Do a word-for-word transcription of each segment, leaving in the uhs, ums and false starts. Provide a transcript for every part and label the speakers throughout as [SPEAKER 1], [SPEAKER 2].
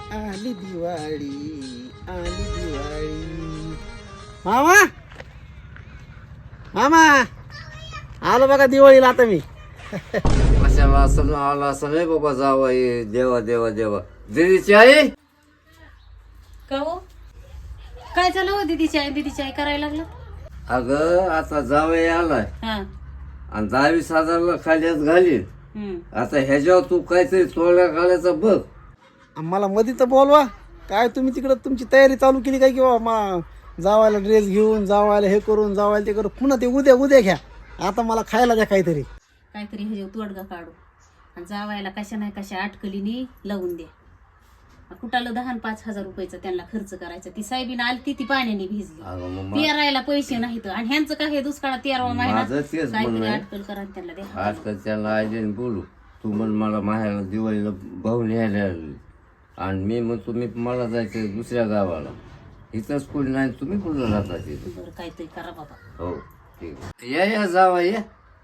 [SPEAKER 1] आली दिवाळी आली दिवाळी. मामा मामा आलो बघा दिवाळीला आता मी.
[SPEAKER 2] कशाला असं आला असं नाही बाबा जावा ये देवा देवा देवा. दीदीची आई
[SPEAKER 3] का हो काय झालं हो दीदीची आई दीदीची आई करायला लागलं.
[SPEAKER 2] अगं आता जावई आलाय
[SPEAKER 3] हा
[SPEAKER 2] आणि दहावीस हजारला खाली घालीन.
[SPEAKER 3] हम्म.
[SPEAKER 2] आता ह्याच्यावर तू काहीतरी चोळ्या घालायचं बघ.
[SPEAKER 1] मला मध्ये तर बोलवा. काय तुम्ही तिकडं तुमची तयारी चालू केली काय की बाबा मा जावायला ड्रेस घेऊन जावायला हे करून जावायला ते करून पुन्हा ते उद्या उद्या घ्या. आता मला खायला द्या काहीतरी.
[SPEAKER 3] काहीतरी हे तोडगा काढू आणि जावायला कशा नाही कशा अटकलीनी लावून द्या. कुठाला दहा आणि पाच हजार रुपयाचा त्यांना खर्च करायचा. ती साहेबीन आली ती ती पाण्याने भिजली.
[SPEAKER 2] अगं मग मा-
[SPEAKER 3] तेरायला पैसे नाहीत आणि ह्यांचं काय हे दुष्काळ तेरावा महिना
[SPEAKER 2] माझं तेच
[SPEAKER 3] काहीतरी
[SPEAKER 2] म्हणणं आहे.
[SPEAKER 3] अटकल करा आणि त्यांना द्या.
[SPEAKER 2] आजकाल त्याला आईने बोलू तू म्हण मला माहेरला दिवाळीला भाऊ न्यायला आली आणि मी म्हणतो मी मला जायचं दुसऱ्या गावाला. इथंच कोणी नाही तुम्ही कुठं राहता तिथे.
[SPEAKER 3] बरं काहीतरी करा बाबा.
[SPEAKER 2] हो ठीक आहे. या या जावा या.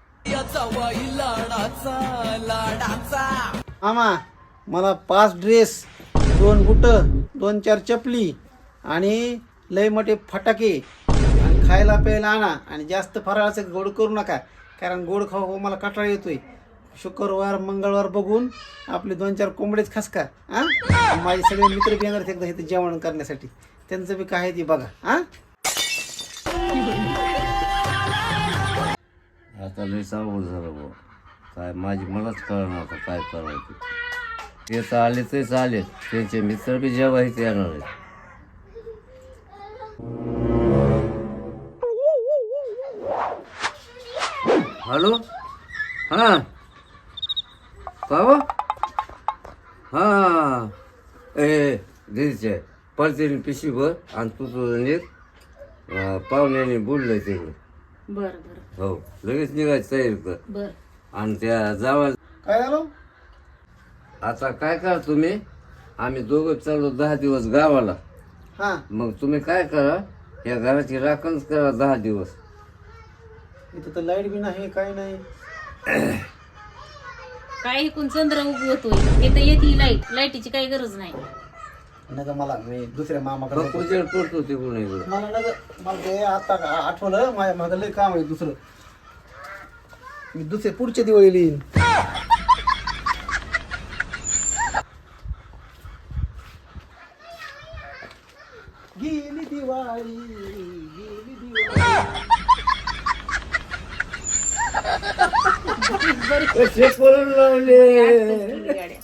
[SPEAKER 1] मामा मला पाच ड्रेस दोन बुट दोन चार चपली आणि लय मोठे फटाके आणि खायला प्यायला आणा. आणि जास्त फराळाचं गोड करू नका कारण गोड खाऊ खाऊ मला कंटाळा येतोय. शुक्रवार मंगळवार बघून आपले दोन चार कोंबडेच खसका. हां माझे सगळे मित्र बी येणार एकदा इथं जेवण करण्यासाठी. त्यांचं बी काय आहे ती बघा. हां
[SPEAKER 2] आता लय सावड झालं बुवा. काय माझी मलाच कळणार आता काय करायचं. ते तर आले तेच आले त्यांचे मित्र बी जेव्हा इथे येणार आहेत. हॅलो हां का हो? हां ए दीदीचे परतीने पिशवी भर आणि तू तुझं नीट अं, पाहुण्याने बोललंय तिकडं.
[SPEAKER 3] बरं बरं
[SPEAKER 2] हो लगेच निघायची तयारी कर.
[SPEAKER 3] बरं
[SPEAKER 2] आणि त्या जावा
[SPEAKER 1] काय झालं.
[SPEAKER 2] आता काय करा तुम्ही आम्ही दोघं चाललो दहा दिवस गावाला.
[SPEAKER 1] हां
[SPEAKER 2] मग तुम्ही काय करा या घराची राखणच करा दहा दिवस.
[SPEAKER 1] इथं तर लाईट बी नाही काय नाही.
[SPEAKER 3] काय इकून चंद्र उगवतोय हे तर येते लाईट लाईटीची काही गरज नाही.
[SPEAKER 1] नका मला मी दुसऱ्या मामाकडे
[SPEAKER 2] फक्त उजेड पडतो तिकडून इकडं.
[SPEAKER 1] मला नका मला ते आता आठवलं माझ्या माझं लय काम आहे दुसरं. मी दुसरे पुढच्या दिवाळीला येईन. गेली दिवाळी गेली दिवाळी.
[SPEAKER 2] कसे पळून लावले.
[SPEAKER 3] आजकाल गेली गाडी.